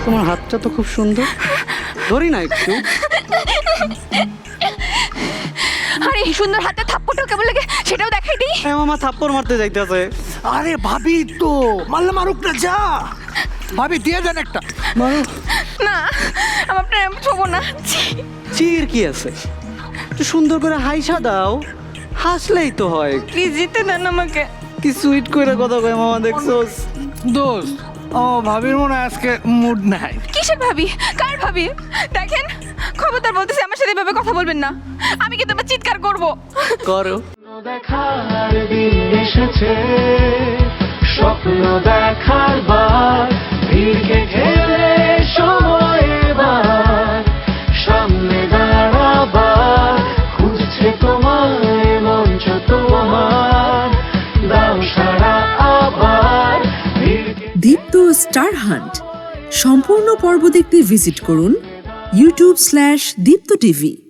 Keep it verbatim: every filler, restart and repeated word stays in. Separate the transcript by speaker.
Speaker 1: তোমার হাতটা তো খুব সুন্দর, ধরি না একটু?
Speaker 2: আরে এই সুন্দর হাতে থাপ্পড়টা কেমন লাগে সেটাও দেখাই দিই।
Speaker 1: হ্যাঁ মামা থাপ্পড় মারতে যাইতেছে।
Speaker 3: আরে ভাবি তো মারলে মারুক না, যা ভাবি দিয়ে দেন একটা।
Speaker 1: মারো।
Speaker 2: না আমার প্রেম ছোবো না।
Speaker 1: চির কি আছে, একটু সুন্দর করে হাইসা দাও, হাসলেই তো হয়।
Speaker 2: প্লিজ জিতে দেন আমাকে।
Speaker 1: কি সুইট করে কথা কয় মামা, দেখছোস?
Speaker 3: দোস্ত ও ভাবির মনে হয় আজকে মুড নাই।
Speaker 2: কিসের ভাবি, কার ভাবি? দেখেন খবরদার বলতেছি আমার সাথে এভাবে কথা বলবেন না, আমি কিন্তু আবার চিৎকার করবো।
Speaker 1: করো।
Speaker 4: দেখার দিন এসেছে, স্বপ্ন দেখার বার, ভিড়কে ঠেলে সময় এবার সামনে দাঁড়াবার, খুঁজছে তোমায় মঞ্চ তোমার, দাও সারা আবার ভিড়কে।
Speaker 5: দীপ্ত স্টার হান্ট সম্পূর্ণ পর্ব দেখতে ভিজিট করুন ইউটিউব স্ল্যাশ দীপ্ত টিভি।